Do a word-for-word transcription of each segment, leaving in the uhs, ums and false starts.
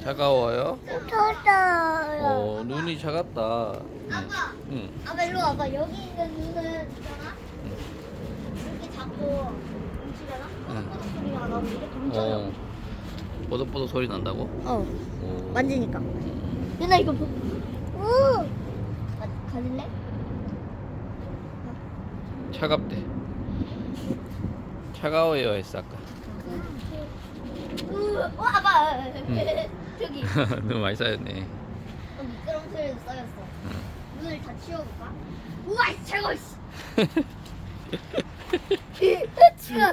차가워요? 터져요. 어, 눈이 차갑다. 아빠, 응. 아빠 일로 와봐. 여기 있는 눈은 있잖아. 이렇게 잡고 뭉치잖아. 꼬독꼬독 소리가 나고 이렇게 뭉쳐요. 어. 뽀득뽀득 소리 난다고? 어, 오. 만지니까. 누나 이거 보. 우. 가, 가질래? 차갑대. 차가워요 했어 아까. 우. 어, 아빠. 응. 저기. 너무 많이 쌓였네. 어, 미끄럼틀에도 쌓였어. 응. 눈을 다 치워볼까? 우와, 이 최고. 씨. 치워.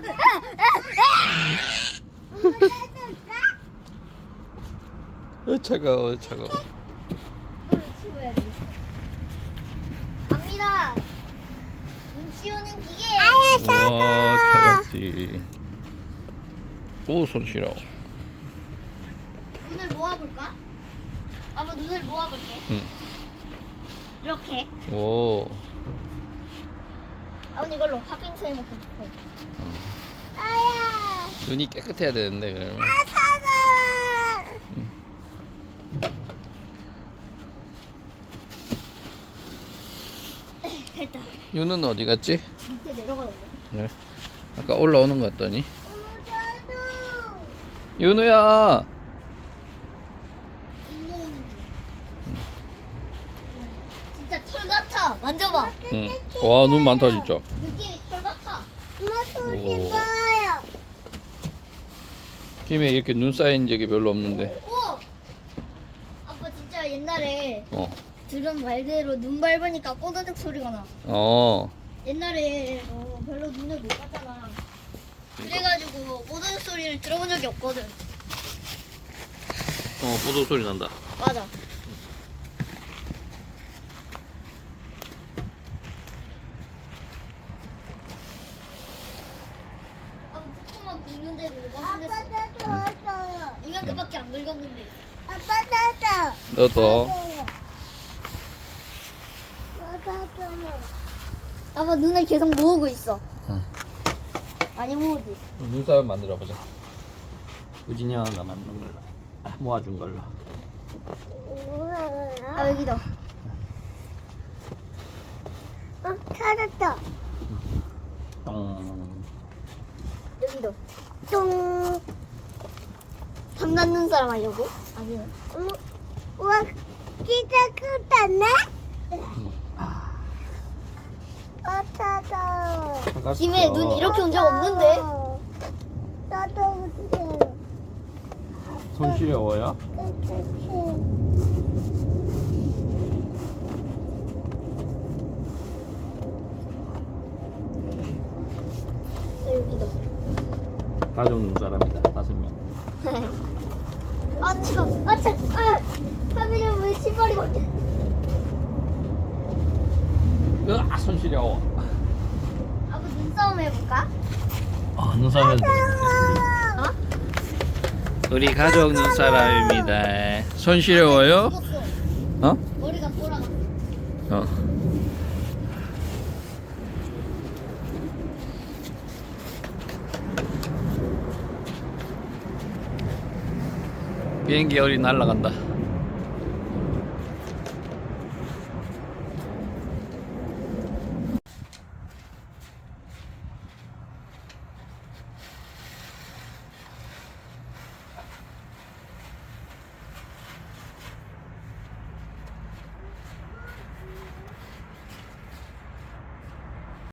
어, 차가워 차가워. 이거를 치워야 돼. 갑니다. 눈 치우는 기계. 와 차갑지. 오 손 시려. 눈을 모아볼까? 아빠 눈을 모아볼게. 응. 이렇게. 오. 아버님 이걸로 팥빙수 해먹고 싶어. 아야. 눈이 깨끗해야 되는데 그러면. 아, 차가워. 됐다. 윤은 어디 갔지? 밑에 내려가야 돼. 네. 아까 올라오는 것 같더니. 저도. 윤우야. 진짜 털 같아. 만져봐. 응. 와 눈 많다 진짜. 느낌이 털 같아. 엄마 손 오. 씹어요. 김에 이렇게 눈 쌓인 적이 별로 없는데. 오! 아빠 진짜 옛날에 어. 들은 말대로 눈 밟으니까 꼬다닥 소리가 나. 어. 옛날에 어, 별로 눈을 못 봤잖아. 그래가지고 꼬다닥 소리를 들어본 적이 없거든. 어 뽀득 소리 난다. 맞아. 아, 조금만 긁는데도 이거 아빠 힘들었어. 나도 왔어요. 이만큼밖에 안 긁었는데. 아빠 나도. 너도. 나도. 아빠 눈을 계속 모으고 있어. 응. 많이 모으지. 눈썹 만들어 보자. 우진이 형아가 만든 걸로. 아, 모아준 걸로. 아 여기다. 어, 찾았다. 똥. 여기도. 똥. 장난 눈사람 하려고? 아니요. 어머, 우와, 진짜 크다네? 어, 찾아. 김에 눈 이렇게 온 적 없는데? 나도 못해. 손 시려워요? 여기도. 가족 눈사람이다. 다섯 명. 아 차가. 아 차. 아. 하민이 왜 신발이 벗겨? 으아 손 시려워. 아빠 눈싸움 해볼까? 어 눈썹 해도 돼. 어? 우리 가족 눈사람입니다. 손 시려워요? 죽었어. 어? 머리가 돌아가. 어. 비행기 열이 날아간다.